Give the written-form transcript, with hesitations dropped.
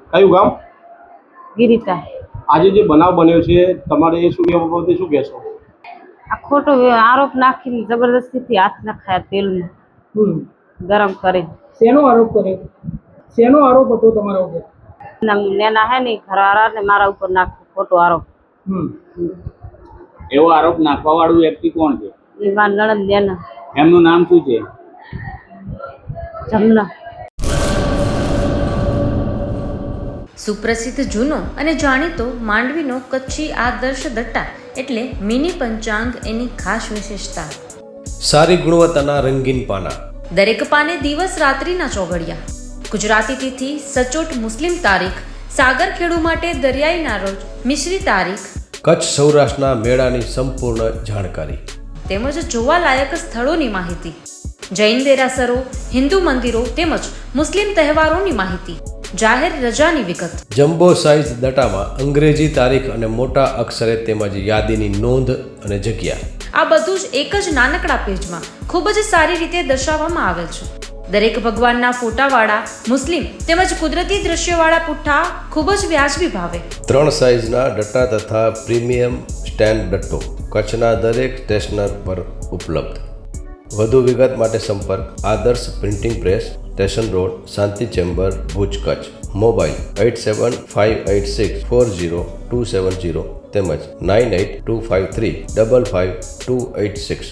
કયું ગામ? ગિરિતા. આજે જે બનાવ બન્યો છે તમારે એ શું એ બાબતે શું કહેશો? આ ખોટો આરોપ નાખીને જબરદસ્તીથી હાથ નખાયા તેલમાં ગરમ કરી. શેનો આરોપ કર્યો? શેનો આરોપ હતો તમારા ઉપર? નેના હે ને ઘરવાળા ને મારા ઉપર નાખ્યો ખોટો આરોપ. એવો આરોપ નાખવા વાળું વ્યક્તિ કોણ છે? એ મારા નણંદ નેના. એમનું નામ શું છે? જમના. સુપ્રસિદ્ધ જૂનો અને જાણીતો માંડવીનો કચ્છી આદર્શ દટ્ટા એટલે મિની પંચાંગ એની ખાસ વિશેષતા. સારી ગુણવત્તાના રંગીન પાના, દરેક પાને દિવસ રાત્રિના ચોઘડિયા. ગુજરાતી તિથિ સચોટ મુસ્લિમ તારીખ, સાગરખેડુ માટે દરિયાઈના રોજ મિશ્રી તારીખ, કચ્છ સૌરાષ્ટ્રના મેળાની સંપૂર્ણ જાણકારી, તેમજ જોવાલાયક સ્થળોની માહિતી, જૈન દેરાસરો, હિન્દુ મંદિરો તેમજ મુસ્લિમ તહેવારોની માહિતી, જાહેર રજાની વિગત. જમ્બો સાઇઝ દટામાં અંગ્રેજી તારીખ અને મોટા અક્ષરે તેમજ યાદીની નોંધ અને જગ્યા. આ બધું જ એક જ નાનકડા પેજમાં ખૂબ જ સારી રીતે દર્શાવવામાં આવેલ છે. દરેક ભગવાનના ફોટાવાળા મુસ્લિમ તેમજ કુદરતી દ્રશ્યવાળા પુઠ્ઠા ખૂબ જ વ્યાજબી ભાવે. 3 સાઇઝના દટ્ટા તથા પ્રીમિયમ સ્ટેન્ડ દટ્ટો કચ્છના દરેક સ્ટેશનર પર ઉપલબ્ધ. વધુ વિગત માટે સંપર્ક Adarsh printing press, station road, Shanti chamber, Bhuj, Kutch. Mobile 8758640270 તેમજ 9825355286.